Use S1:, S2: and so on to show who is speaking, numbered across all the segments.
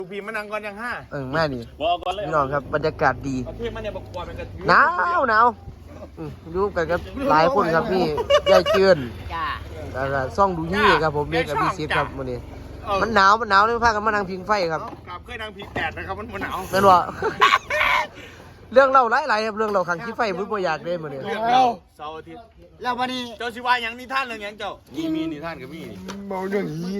S1: ลูกพี่มานั่งก่อนยังห้า
S2: แม่นี่พี่น้องครับบรรยากาศดีหนาวอยู่กันครับหลายคนครับพี่ยายเจือนแล้วก็ซ่องดูยี่ครับผมเมฆกับพี่ซิดครับวันนี้มันหนาวเลยพากันมานั่งพิงไฟครับ
S1: เคยนั่งพิงแดดนะครับมันหนาว
S2: นั่นวะเรื่องเล่าหลายๆครับเรื่องเราขังขี้ไฟมุ้ยบ่อยากเล่นมาเนี่ย
S1: เรื่องเราเสาร์อาทิตย์
S3: แล้ววันนี้
S1: เจ้าชิวายังนิทานเรื่องยังเจ้ามีนิทานกับมี
S2: เมาเรื่องนี้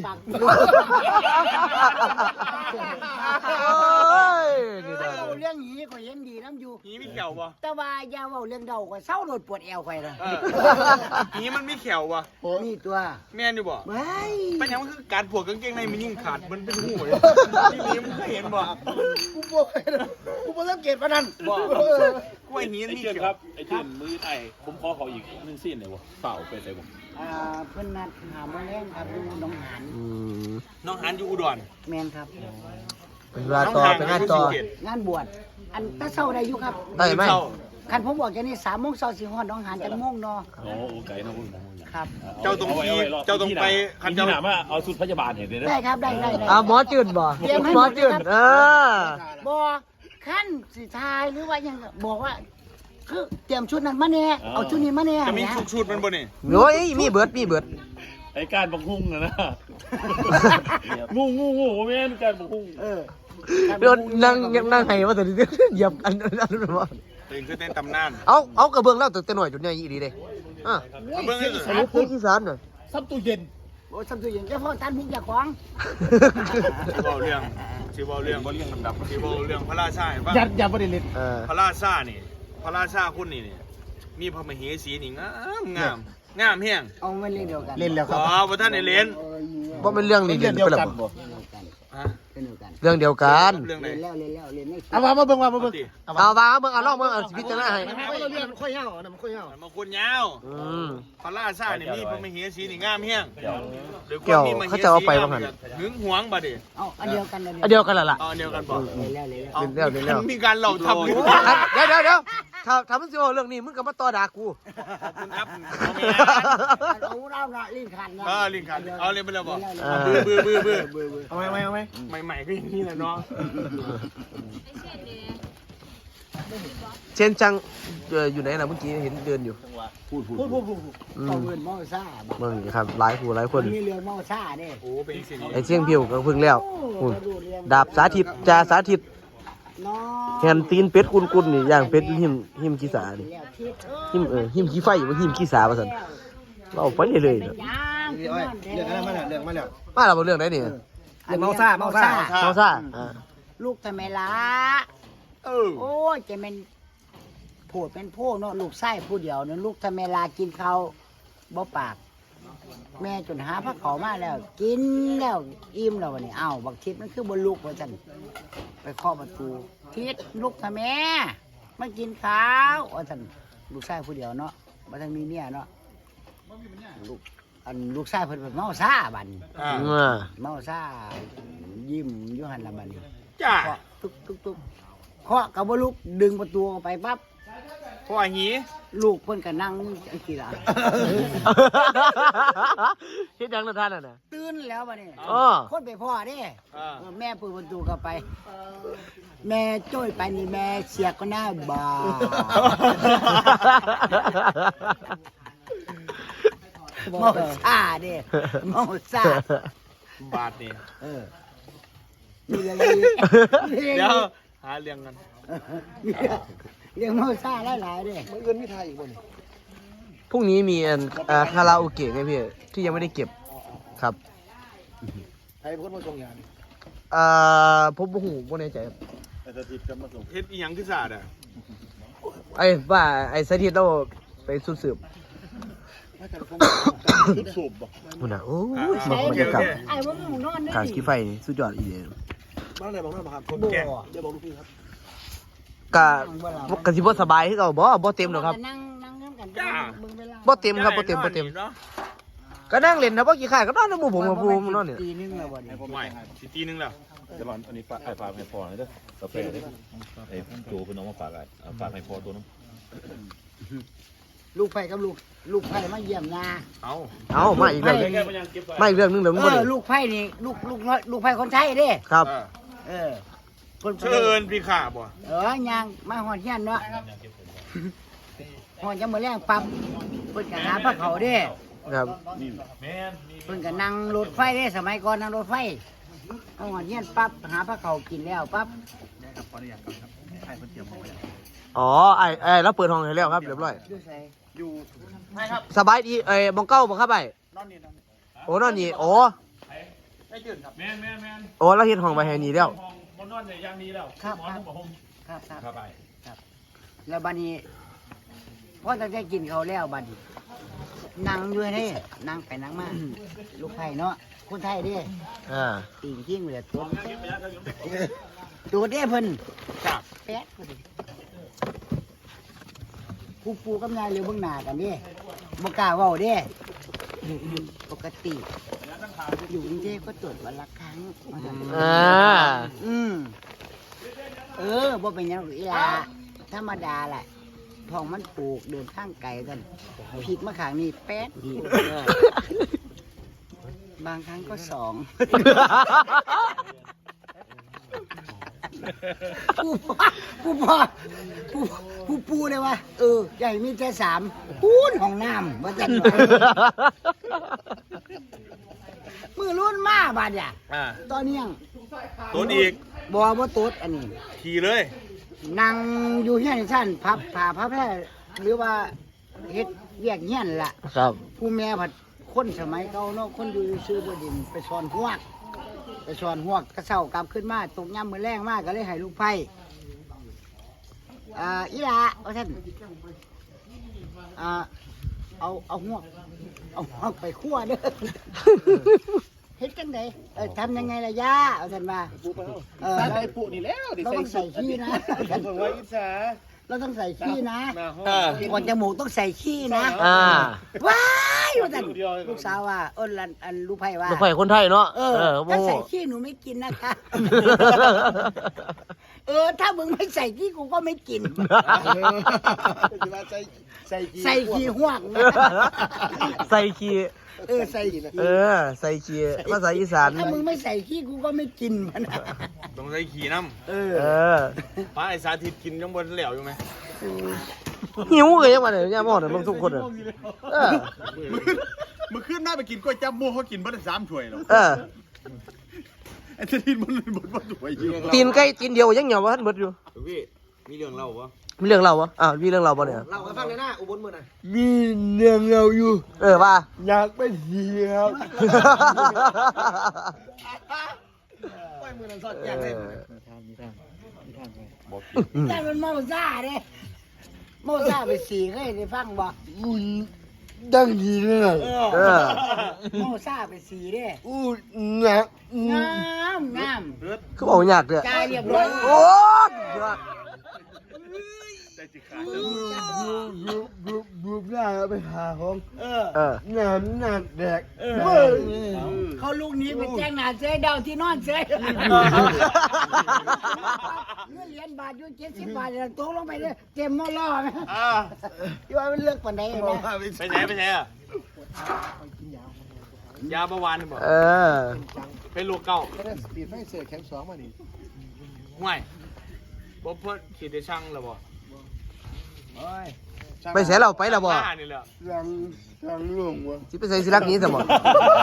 S3: เรื่องนี้ก็เห็นดีน้ำอยู่
S1: หีมีเขียวปะ
S3: แต่ว่าอย่าเว้าเรื่องเดาก็เศร้าโดดปวดแอวไปเลย
S1: หีมันมีเขียวปะ
S3: มีตัว
S1: แม่นอยู่บ่
S3: ไม่
S1: เป็นยังมันคือการผูกกางเกงในมันยิ่งขาดมันเป็นหูเลยที่นี้มันเคยเห็นบ่
S3: กูบอกสังเกตว่านั่น
S1: บ่กูไอ้หีนี่เขียว
S4: ครับไอ้ที่มือไอ้ผมขอเขาอีกนึงสิ้นเลยวะเปล่าไปใส่ผม
S3: เพิ่นนัดหาโมงแรงครับดูน้องหาน
S1: น้องหานอยู่อุดร
S3: แมนครับ
S2: เป็นงานต่อง
S3: านบวชอันตะเศร้าได้อยู่ครับ
S2: ได้ไหม
S3: คันผมบอกแค่นี้3 โมงเช้าสิฮอดน้องหานจังโมงเนาะ
S4: โอ้ไก่นะพุ่ง
S3: ครับ
S1: เจ้าตรงไป
S4: คันเจ้าถามว่าเอาสุดพยาบาลเห็นเลย
S3: ได้ครับได้
S2: หมอจืดบ่หมอจืด
S3: บ่ขั้นสิทายหรือว่ายังบอกว่าคือเตรียมชุดนั้นมาแน่เอาชุดนี้มาแน่
S1: จะมีชุดมันบ่นี่
S2: โอ้ยมีเบิด
S4: ไอ้การบังหุ่งนะงูแม่นการบังหุ่ง
S2: เดี๋ยวนั่งไห้มาแต่เหยียบอันนั้นว่า
S1: ตื่นขึ้นเต้นตำนาน
S2: เอากระเบื้องเล่าแต่หน่อยจุดใหญ่อีดีเลย
S1: กระเบื้อง
S2: สรุปเพื่อที่สารน่ะ
S3: ซับตู้เย็นโอ้ซับตู้เย็นแค่พ่อท่านมุกอยากของ
S1: ชื่อเรื่องชื่อเรื่องลำดับชื่อเรื่องพระราชา
S3: อย่าประเด็นเลย
S1: พระราชานี่พระราชาคุณนี่มีพระมเหสีนี่งามแห้ง
S3: เอาไม่เล่นเดียวกัน
S2: เล่นแล้วครับ
S1: ว่าท่านในเล่น
S2: ว่าเป็นเรื่องนี้เดียวกันเรื่องเดียวกัน
S1: เรื่องไหน
S3: เอามาเบิ่ง
S2: เอาลองพิจารณาให้
S3: มันค่อยยาวมันค่อยยาว
S1: มันคนยาวพระราชานี่มีพระมเหสีนี่งามแห้ง
S2: เกี่ยวเขาจะเอาไปบ้างกัน
S1: หึงหวงบ่ดิ
S3: เอาอันเดียวกัน
S2: ล่ะ
S1: อันเดียวกันบ่
S2: เดี๋ยว
S1: มีการเหล่าทำ
S2: เดี๋ยวทำมันสิเรื่องนี้มึงก็มาต่อด่ากู
S1: คุณครับ
S3: เอาเราละลิ้นขัน
S1: ลิ้นขันเอาเล่นไปแล้วบ่
S2: บื้อ
S1: เอาไหมใหม่ก็อย่างนี้แหละเนาะ
S2: เช่นจังอยู่ไหนล่ะเมื่อกี้เห็นเดินอยู่
S3: พูดเอาเงินมอซ่า
S2: มึงครับหลายคน
S3: มีเรือมอซ่าเด้
S1: โอ้เป็นสิ่ง
S2: ไอ้เชียงพิวก็พึ่งแล้วดาบสาธิตจ่าสาธิตแฮนตีนเป็ดกุนนี่ย่างเป็ดหิมขี้สานี่หิมขี้ไฟบ่หิมขี้สาว่าซั่นเราไปเลย
S3: เรื่อง
S2: มาแล้วเรื่องไหนนี่
S3: เมาซ่าลูกทำไมล่ะโอ้ยจะเป็นโผดเป็นโพเนาะลูกไส้ผู้เดียวเนี่ยลูกทำไมล่ะกินเขาบ่ปากแม่จนหาพระเขามาแล้วกินแล้วอิ่มแล้ววันนี้บักทิศมันคือบนลูกว่าจันไปเคาะประตูทิศลูกทำไมมากินข้าวว่าจันลูกไส้ผู้เดียวเนาะมาทางมีเมียเนาะลูกไส้เพิ่นเมาซ่าบันเมาซ่ายิ้มยุหันละบัน
S1: จ้า
S3: ตุ๊กเคาะกับบลูกดึงประตูออกไปปั๊บ
S1: พ่อหี
S3: ลูกเพิ่นก็นั่งอันกี่ล่ะ
S2: เฮ็ดจังล่ะท่านน่ะ
S3: ตื่นแล้วบัดนี้คนไปพ่อเด้แม่เปิดประตูเข้าไปแม่จ้อยไปนี่แม่เสียก็หน้าบาเมาซ่าเด้เมาซ่า
S1: บาทนี่
S3: มีอะไร
S1: เดี๋ยวหาเรื่องกัน
S3: เรื่องเมาซ่าหลายๆเด้
S2: มันเงินไม่ทายอีกบ่นี่พรุ่งนี้มีคาราโอเกะไงพี่ที่ยังไม่ได้เก็บครับ
S3: ใครเป็นคนมาส่งยา
S2: ผมบ่แน่ใจครับ
S1: เฮ็ดอีหยังคือซาด
S2: ว่าไอ้สถิตเราไปสืบ
S4: สูบบ่
S2: พุ่นน่ะโอ้ยมันจะกลับทางขี้ไฟนี่สุดยอดอีเด้
S3: บ้านไหนบอกหน่อยครับคนแก่เดี๋ยวบอกลูกพี่ครับ
S2: กะสิบ่สบายคือเก่าบ่เต็มหรอกครับ
S3: นั่งกัน
S2: บ่เต็มครับบ่เต็มก็นั่งเล่นนะบ่กี่ข้าก็นอนในหมู่ผมกับผู้นอนนี่
S3: ตีนึงแล้วบ่นี่
S1: ไม่สิตีนึงแล้ว
S4: จะบอกอันนี้ฝากให้พอหน่อยเด้อกาแฟเด้ไอ้จูเพิ่นเอามาฝากฝากให้พอตัวนึง
S3: ลูกไผ่กับลูกไผ่มาเยี่ยมนา
S2: เอามาอีกเรื่องนึงเดี๋ยว
S3: ลูกไผ่นี่ลูกไผ่คนใช้เด้
S2: ครับ
S3: เพิ่น
S1: เชิญพี่ขาบ่
S3: ยังมาหอดเฮียนเนาะหอดจะมื้อแรงปั๊บเพิ่นก็หาพระเขาเด้
S2: ครับ
S4: แม่น
S3: เพิ่นก็นั่งรถไฟเด้สมัยก่อนนั่งรถไฟเอาหอดเฮียนปั๊บหาพระเขากินแล้วปั๊บ
S2: อ๋อไอ้แล้วเปิดห้องให้แล้วครับเรียบร้อย
S3: อยู่ไส
S2: สบายดีมองเก้าบ่ครับไอ้โอ้นอนนี่โอ้
S4: แม่น
S2: โอ้แล้วเฮ็ดห้องไว้ให้นี่แล้ว
S4: ห้องบนนอนเนี่ยยังดีแล้วหมอนผมบอกผม
S3: ครับ
S4: ครับไป
S3: แล้วบัดนี้พอตั้งใจกินเขาวแล้วบัดนี้นั่งอยู่นี่นั่งไปนั่งมาลูกไทยเนาะคนไทยเด้ ตีนทิ้งเลยตัวเด้เพิ่น
S1: ครับ
S3: แป๊ดพอดีปูกับยายเรือเบิ่งหน้ากันเด้บ่กล้าเว้าเด้ปกติอยู่กรุงเทพก็ตรวจวันละครั้งบ่เป็นหยังหรอกอีหลาธรรมดาแหละท้องมันปลูกเดินทางไกลกันพลิกมาข้างนี้แป๊ดอีกบางครั้งก็สองผู้ปูเลยว่าใหญ่มีแค่สามปูนห้องน้ำว่าจันมือรุ่นมาบาดอ่ะตอนนี้ยัง
S1: ตัวอีก
S3: บ่ว่าตุ๊ดอันนี้
S1: ขี่เลย
S3: นั่งอยู่เฮียนชั้นพับผ่าพับแพร่หรือว่าเฮ็ดเวียกเฮียนล่ะ
S2: ครับ
S3: ผู้แม่ผัดคนสมัยเก่าเนาะคนอยู่ซื้อบดินไปสอนหวกกระเซ้ากลับขึ้นมาตกย่ำมือแรงมากก็เลยให้ลูกไผ่อีหละว่าท่านเอาหวกไปคั่วเด้อเฮ็ดจังไดทำยังไงล่ะย่าเอาท่านว่า
S5: ใส่ปูนี่แล้วดิ
S3: เราต้องใส่ขี้นะ
S5: ผมว่าอิจฉา
S3: เราต้องใส่ขี้นะ
S5: มาห้อง
S3: ก่อนจมูกต้องใส่ขี้นะ ว้ายว่าแต่ลูกสาวว่าอันลูกไผ่ว่า
S2: ลูกไผ่คนไทยเนาะ
S3: ถ้าใส่ขี้หนูไม่กินนะคะ ถ้ามึงไม่ใส่ขี้กูก็ไม่กิน ใส่ขี้หวกนะ
S2: ใส่ขี้
S3: ใส่ขี้
S2: ใส่ขี้ภาษาอีสาน
S3: ถ้ามึงไม่ใส่ขี้กูก็ไม่กินมัน
S1: ต้องใส่ขี่น้ำป้าไอ้สาธิตกินยังบนเหลวอยู่ไหม
S2: หิวเลยยังมาเนี่ยย่าหมอเนี่ยมึงทุกคนอ่ะ
S5: มึงขึ้นหน้าไปกินก๋วยจั๊บหมูเขากินบ้าน3 ถ้วยหรอ ไอ้ที่มันบ่ถ้วยอยู่
S2: ตีนไก่ตีนเดียวยังเหนียววะท่านเบิดอยู่
S1: พี่มีเรื่องเล่าปะ
S2: มีเรื่องเราวะมีเรื่องเราปะเนี่ย
S3: เราฟังเลยนะอุบลมือน่ะ
S5: มีเรื่องเราอยู่
S2: ว่า
S5: อยากไปเที่ยว
S3: ปล่อยมือนั่นสอดแจ้งเลยแต่มันเมาซ่าเด้เมาซ่าไปสีเคยได้ฟังบ่
S5: ดังดีเลย
S3: เมาซ่าไปสีเด้
S5: หนัก
S3: งาม
S2: คือบอกยากเลย
S3: จ่ายเรียบร้อย
S2: โอ้ย
S5: บุบหน้าไปหาของหนักแดก
S3: เขาลูกนี้ไปแจ้งหน้าเจ๊เดาที่นอนเจ๊เงินเหรียญบาทอยู่70 บาทตกลงไปเลยเต็มหม้อล่อไหมที่ว่ามันเลือกปานใดนะ
S1: ไปไหนอ่ะยาเบาหวานบอกเป็นลูกเก่า
S5: ปีดไม่เสือแข็ง2มาดิ
S1: ห่วยบ่เพิ่นขีดได้ช่างแล้วบ่
S2: ไปเสียเราไปแล้วบ่
S1: นี่แหละ
S5: รังหลวงวะ
S2: สิไปใส่สิรักนี้สมอง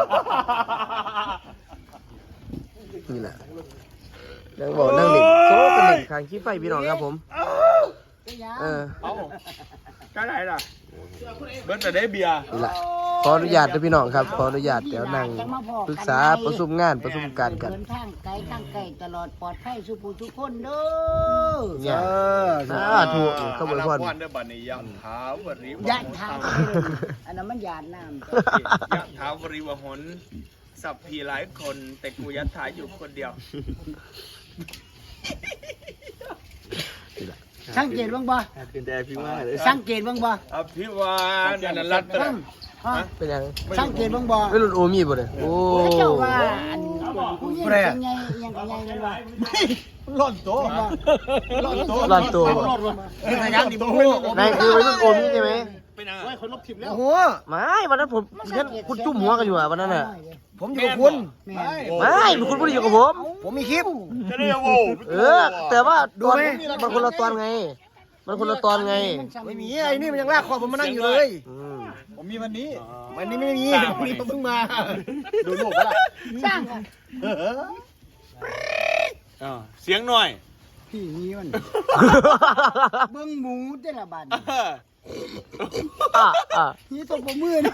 S2: นี่แหละนั่งบอกนั่งเด็กโซ่เป็นเด็กทางขี้ไฟพี่น้องครับผม
S1: เอาก็ได้ล่ะเบิ้ลแต่ได้เบียร์
S2: นี่แหละขออนุญาตด้วยพี่น้องครับขออนุญาตเดี๋ยวนั่งปรึกษาประชุมงานประชุมการกัน
S3: เดินทางไกลทางไกลตลอดปลอดภัยสุภูทุกคนเด้อ
S2: เนี่ยถูกขบวนพร
S5: เด้อบัดนี้ยังถาวริ
S3: ยะทางอันนั้นมันหยาดน้ำ
S1: ยะถาวริวหนสับพีหลายคน แต่กูยัดถาอยู่คนเดียว
S3: สังเกตบ้างบ่
S1: เป็นแต่พี่ว่าเลย
S3: สังเกตบ้างบ่
S1: อภิวานนันรัตน์
S2: เป็นยัง
S3: สังเกตบ้างบ่
S2: ไม่รุ่นโอมีบ่เลยโอ้
S3: เจ้าว่าอันผู้หญิงเป็นไงยังไงกันวะ
S5: ร้อนตัว
S2: ร้อนตัว
S5: คือทางนี้บ่
S2: นายคือวัยรุ่นโอมีใช่ไหม
S1: เป็นยังไง
S5: โอ้ยคนลบทิมแล้ว
S6: โอ้โห
S2: ไม่วันนั้นผมฉันคุณจุ่มหัวกันอยู่อ่ะวันนั้นน่ะ
S6: ผมอยู่กับคุณ
S3: แม่
S2: ไม่คุณไม่ได้อยู่กับผม
S6: ผมมีคลิป
S1: จะได้โว้
S2: แต่ว่า
S6: ดู
S2: ตอน
S6: ไหม
S2: มันคนละตอนไง มันคนละตอนไง
S6: ไม่มีไอ้นี่มันยังลากคอผมมานั่งอยู่เลย
S5: ผมมีวันนี้
S6: วันนี้ไม่มีวันนี้ผมเพิ่งมา
S5: ดูโลกปะล่ะ
S3: สร้างค่ะ
S1: เสียงหน่อย
S3: พี่นี้มันเบิ่งหมูแต่ละบัด นี่ตบมือนะ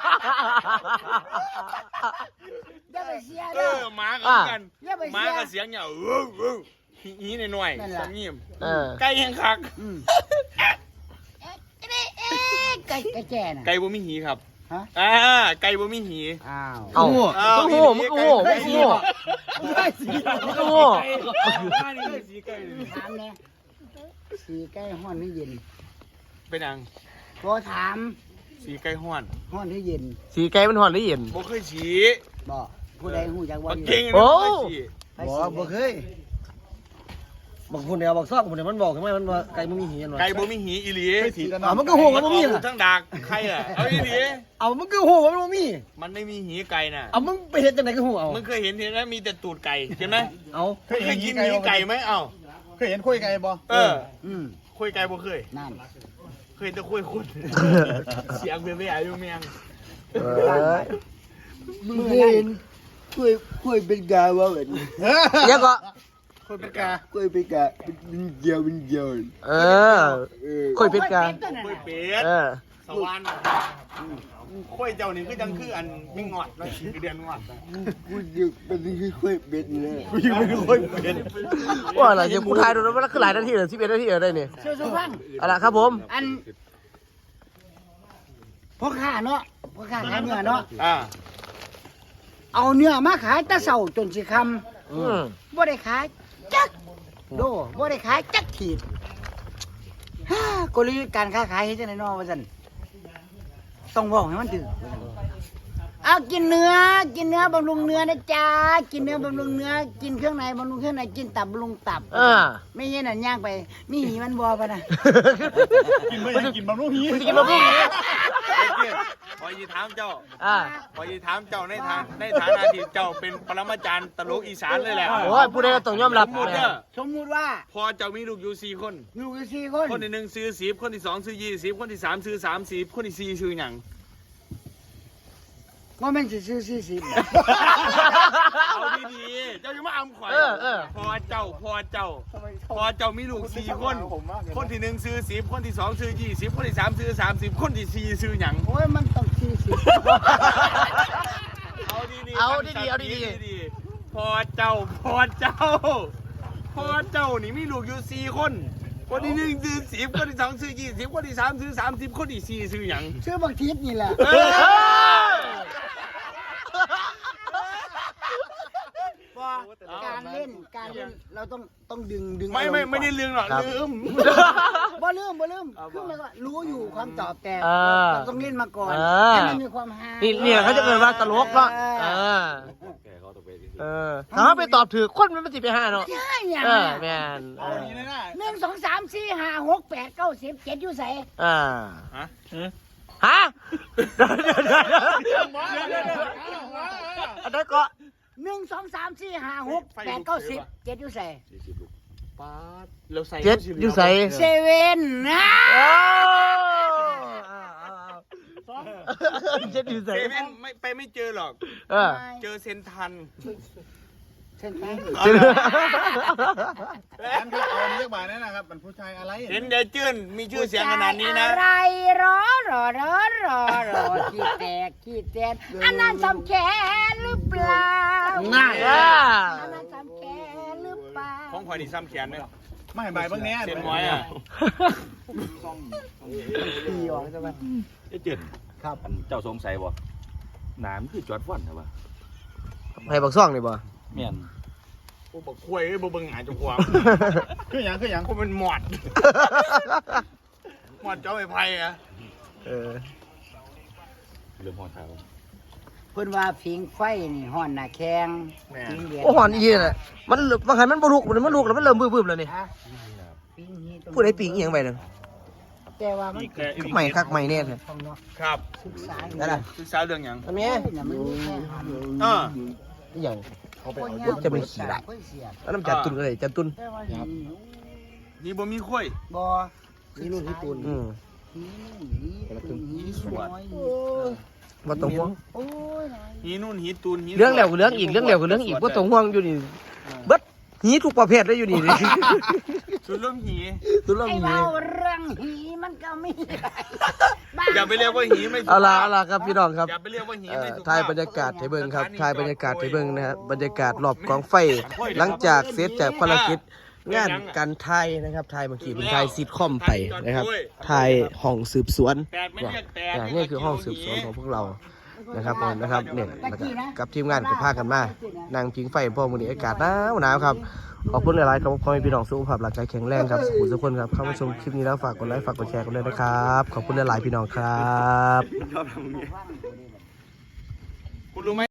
S3: อย่าไปเสีย
S1: เอ
S3: เด้อ
S1: อหมากันกัน
S3: อย่าไป
S1: หมา
S3: เสีย
S1: กับเสียงเนี่ยหีหน่อย
S3: นั่น
S1: ๆ
S3: ล่ะ
S1: สำเนียม
S2: เออ
S1: ไก่แห้งคัก
S3: ไก่แก่น่ะ
S1: ไก่บ่มีหีครับ
S3: ฮะ
S1: ไก่บ่มีหี
S3: อ้าว
S2: เอามึงโง่มึงโง่มึงโง่
S6: ได้สิ
S2: มึงโง่
S3: ถามแน่สีไก่ห้อนหรือเย็น
S1: เป็นยัง
S3: พอถาม
S1: สีไก่ห้อน
S3: ห้อนหรือเย็น
S2: สีไก่มันหอนหรือเย็น
S1: บ่เคยสี
S3: บอกผู้ใดหูจักว่า
S1: บัก
S3: อยู่
S1: เก่ง
S2: โอ้
S1: นะบ่เคยสี
S6: บอกบ่เคยบอกคนเดียวบอกซอกคนเดียวมันบอกทำไมมันว่าไก่มันมีเหียนวะ
S1: ไก่บ่มีหีอีหลี
S5: เคยถีกัน
S6: อ่ามันก็โหมันบ่มี
S1: อ
S6: ล่ะ
S1: ทั้งดากใครอ่ะเอาอีหลี
S6: เอามันก็โหมันบ่มี
S1: มันไม่มีหีไก่น่ะ
S6: เอามึงไปเห็นจังไหนก็โหเอา
S1: มึงเคยเห็นเห็นไหมมีแต่ตูดไก่ใช่ไหม
S6: เอา
S1: เคยกินหีไก่ไหมเอ้า
S5: เคยเห็นคุยไก่บ่
S1: เออ
S3: อืม
S1: คุยไก่บ่เคย
S3: นั่น
S1: เคยแต่คุยคนเสียงเบี้ยๆอยู่เมียง
S3: มึงเห็นคุยเป็นกาวะแบบนี้
S2: เดี๋ยวก็
S5: คุยเป็นกา
S3: คุยเป็นกาเป็นเดียวเป็นเดียว
S2: เออคุยเป็ดกา
S1: คุยเป็ด
S2: เออ
S1: สวรรค์คุยเจ้านี่คือจังคืออันไม่งอดแล้วคือเดือนงอดนะ
S3: กูยังเป็นคือคุยเป็นเลย
S5: กูยังไม่คุยเป็น
S2: ว่าอะไรจะกูทายดูนะว่าคือหลายนาทีเหรอ11 นาทีเหรอได้เนี่ย
S3: เชื่อสุฟัง
S2: เอาล่ะครับผม
S3: อันพ่อค้าเนาะพ่อค้าขายเนื้อเนาะ
S1: อ่า
S3: เอาเนื้อมาขายแตะเสาจนสิค
S2: อืม
S3: ำบ่ได้ขายจักโดบ่ได้ขายจักขีดฮ่ากลยุทธ์การค้าขายเฮ็ดจังได๋เนาะว่าซั่นต้องเว้าให้มันถึงเอากินเนื้อบำรุงเนื้อนะจ๊ะกินเนื้อบำรุงเนื้อกินเครื่องในบำรุงเครื่องในกินตับบำรุงตับ ไม่ใช่นั่นย่างไปมีหีมันบ่ปะนะ
S5: กินไม่ยังกินบะหมี่ฮี
S2: กินมาพุ่งนี้
S1: ไอ้เกียรติพอยีถามเจ้า พอยีถามเจ้าในฐานะที่เจ้าเป็นปรมาจารย์ตลกอีสานเลยแหละ
S2: โอ้ยผู้ใดก็ต้องยอมรับ
S1: หมดเด้อ
S3: สมมุติว่า
S1: พอเจ้ามีลูกอยู่4 คน
S3: ลูกอยู่4คน
S1: คนที่1ซื้อ10คนที่2ซื้อ20คนที่3ซื้อ30คนที่4ซื้อหยัง
S3: บ่แม่นสิซื้อ40
S1: เอาดีๆเจ้าอย่ามาอำข่อยพอเจ้ามีลูก4 คน คนที่1ซื้อ10คนที่2ซื้อ20คนที่3ซื้อ30คนที่4ซื้อหยัง
S3: โอ้ยมันต้อง40
S1: เอาดีๆ
S2: เอาดีๆ
S1: พอเจ้านี่มีลูกอยู่4 คน คนที่1ซื้อ10คนที่2ซื้อ20คนที่3ซื้อ30คนที่4ซื้อหยัง
S3: ซื้อบักทิศนี่แหละการเล่นเราต้องดึง
S1: ไม่ได้เรื่องหรอกลืม
S3: บ่ลืมคือมันก็รู้อยู่ความตอบแต่
S2: เออ
S3: เราต้องเล่นมาก่อน
S2: เออ
S3: ให้มันมีความฮา
S2: นี่เนี่ยเขาจะเกิดว่าตลกเนาะถ้าไปตอบถือคนมันสิไปหาเนาะ
S3: ใช่อย่าง
S2: แม่น
S5: เอาดีเลยนะ
S3: 1 2 3 4 5 6 8 9 10 7อยู่ไส
S2: ฮะอันนั้นก็
S3: 1 2 3 4 5 6 8 9 10 7อยู่ไส
S1: ป๊าดเราใส่
S2: เจ็ดอยู่ใส่
S3: เซเว่นนะ
S2: เจ็ดอยู่ใส่
S1: เซเว่นไม่เจอหรอก เจอเซนทัน
S3: เส้นทาง
S5: ร้านครับเอาเรียกบ่ายนั่นนะครับเป็นผู้ชายอะไร
S1: เห็นเดจื้นมีชื่อเสียงขนาดนี้นะ
S3: อะไรรอขี้แตกอันนั้นสำแขนหรือเปล่า
S6: ง่าย
S3: อันนั้นสำแขนหรือเปล่า
S1: ของข่อยนี่ซ้ำแขนไหม
S5: ไม่บ่ายเบื้องนี้
S1: เส้นน้อยอ่ะ
S3: ปีออกใช่ไหม
S4: ไอ้เจิด
S3: ครับ
S4: เจ้าสงสัยบ่หนามคือจอดฟันเหรอวะ
S2: ให้บักซ่องนี่บ่
S4: แม่น
S1: พวกบักควยบ่เบิ่งหาเจ้าของ
S5: คืออย่าง
S1: พวกมันหมอดเจ้าไอ้ไผ่อะ
S4: เรื่องหอเท้า
S3: เพิ่นว่าผิงไฟนี่ฮ้อนหน้าแข้งผิงเดือด
S2: โอ้หอนอีน่ะมันบางครั้งมันบ่ลุกแล้วมันเริ่มบึ้บๆแล้วนี่
S3: ฮะผิงนี่ต้อง
S2: ผู้ใดปิงอีหยังไปนั่น
S3: แต่ว่ามัน
S2: ใหม่คักใหม่เนี่ยเลย
S1: ครับ
S3: ศึกษา
S2: นั่นน่ะ
S1: ศึกษาเรื่องหยัง
S2: อันนี้
S3: น่ะมันมีแค่หัน
S1: อ่า
S2: อหย่าง
S3: คน
S2: จะเป็นขี้ละ
S3: คนเสีย
S2: แล้วน้ำจัดตุนก็เลยจัดตุน
S3: แต่ว่าหิน
S1: นี่บ่มีค่อย
S3: บ่
S6: นี่นู่นที่ปูน
S2: อืม
S3: หินสวย
S2: บ่ต้องห่วง
S3: โอ้ยน้อย
S1: หีนู่นหีตูนหี
S2: เรื่องแล้วก็เรื่องอีกเรื่องแล้วก็เรื่องอีกบ่ต้องห่วงอยู่นี่เบิดหีทุกประเภทเลยอยู่นี่
S1: สุดเรื่องหี
S2: ตุนเรื่อง
S3: ไอ้
S2: หี
S3: เบาเรื่องหีมันก็มี
S1: อย่าไปเรียกว่าหีไม่ถูก
S2: เอาล่ะครับพี่น้องครับ
S1: อย่าไปเรียกว่าหีไม่ถูก
S2: ถ่ายบรรยากาศให้เบิ่งครับถ่ายบรรยากาศให้เบิ่งนะครับบรรยากาศรอบกองไฟ หลังจากเสร็จจากภารกิจงานการถ่ายนะครับถ่ายเมื่อกี้เป็นถ่ายซิทคอมไปนะครับถ่ายห้องสืบสวน
S1: แปดไม่เรียกแปด
S2: นี่คือห้องสืบสวนของพวกเรานะครับผมนะครับเนี่ยแล้วก็กับทีมงานก็พากันมานั่งพิงไฟพ่อมื้อนี้อากาศหนาวครับขอบคุณหลายๆครับขอให้พี่น้องสุขภาพร่างกายแข็งแรงครับสุขทุกคนครับเข้ามาชมคลิปนี้แล้วฝากกดไลค์ฝากกดแชร์กันด้วยนะครับขอบคุณหลายๆพี่น้องครับ
S1: คุณรู้ไหม